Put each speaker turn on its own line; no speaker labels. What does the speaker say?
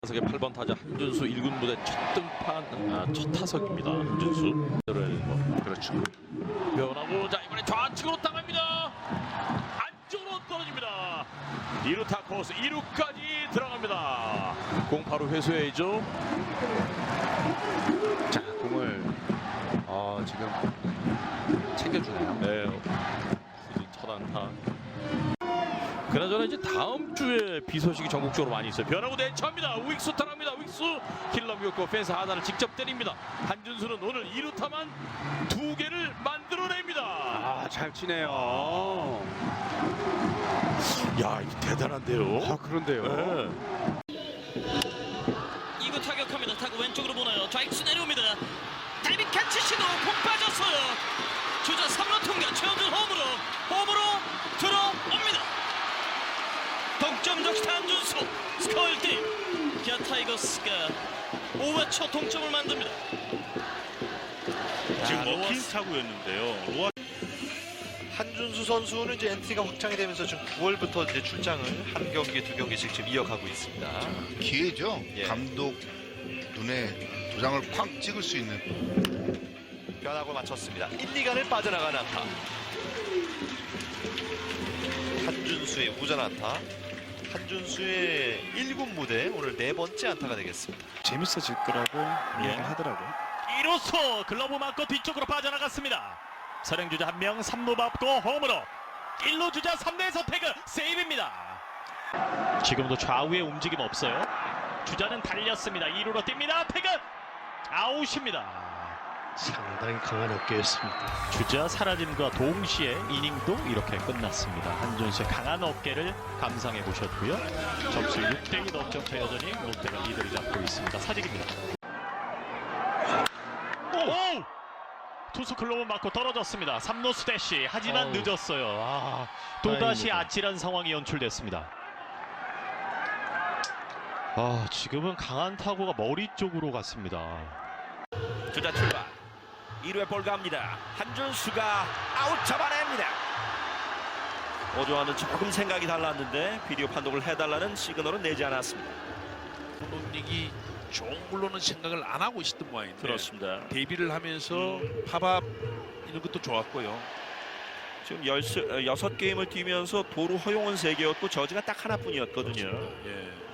타석의 8번 타자 한준수 1군 무대 첫 등판 첫 타석입니다. 한준수
그렇죠.
변하고 자 이번에 좌측으로 당합니다. 안쪽으로 떨어집니다. 2루타 코스 2루까지 들어갑니다. 공 바로 회수해야죠.
자, 공을 지금 챙겨주네요.
네, 시즌 첫 안타. 그나저나 이제 다음 주에 비 소식이 전국적으로 많이 있어요. 변하고 대처합니다. 윅수 타랍니다. 윅수 킬러 미역고 펜스 하단을 직접 때립니다. 한준수는 오늘 2루타만 2개를 만들어냅니다.
아, 잘 치네요.
야, 이거 대단한데요.
그런데요.
네.
2구 타격합니다. 타고 왼쪽으로 보나요. 좌익수 내려옵니다. 다이빙 캐치 시도 공 빠졌어요. 주자 3루 통과. 최원준 홈으로 들어옵니다. 동점 적시 한준수 스코어 1대1. 기아 타이거스가 5회 초 동점을 만듭니다.
지금 먹힌 타구였는데요.
한준수 선수는 이제 엔트리가 확장이 되면서 지금 9월부터 이제 출장을 한 경기 두 경기씩 지금 이어가고 있습니다.
기회죠.
예.
감독 눈에 도장을 쾅 찍을 수 있는.
변하고 맞췄습니다. 1, 2간을 빠져나간 안타. 한준수의 우전 안타. 한준수의 1군 무대 오늘 4번째 안타가 되겠습니다.
재밌어질 거라고 얘기를 하더라고요.
1루수 글러브 맞고 뒤쪽으로 빠져나갔습니다. 선행주자 1명 3루 밟고 홈으로 1루 주자 3루에서 태그 세이브입니다. 지금도 좌우에 움직임 없어요. 주자는 달렸습니다. 2루로 뜁니다. 태그 아웃입니다.
상당히 강한 어깨였습니다.
주자 사라짐과 동시에 이닝도 이렇게 끝났습니다. 한준수의 강한 어깨를 감상해 보셨고요. 점수 6대2 넉점차 여전히 롯데가 리드를 잡고 있습니다. 사직입니다. 오! 투수 글로브 맞고 떨어졌습니다. 3루수 대시 하지만 늦었어요. 또다시
다행입니다.
아찔한 상황이 연출됐습니다. 지금은 강한 타구가 머리 쪽으로 갔습니다.
주자 출발 2루에 볼 갑니다. 한준수가 아웃 잡아냅니다. 어제와는 조금 생각이 달랐는데 비디오 판독을 해달라는 시그널은 내지 않았습니다.
감독님이 종물로는 생각을 안 하고 있었던 모양인데
그렇습니다.
데뷔를 하면서 팝업 이런 것도 좋았고요.
지금 6게임을 뛰면서 도루 허용은 3개였고 저지가 딱 하나뿐이었거든요.
예.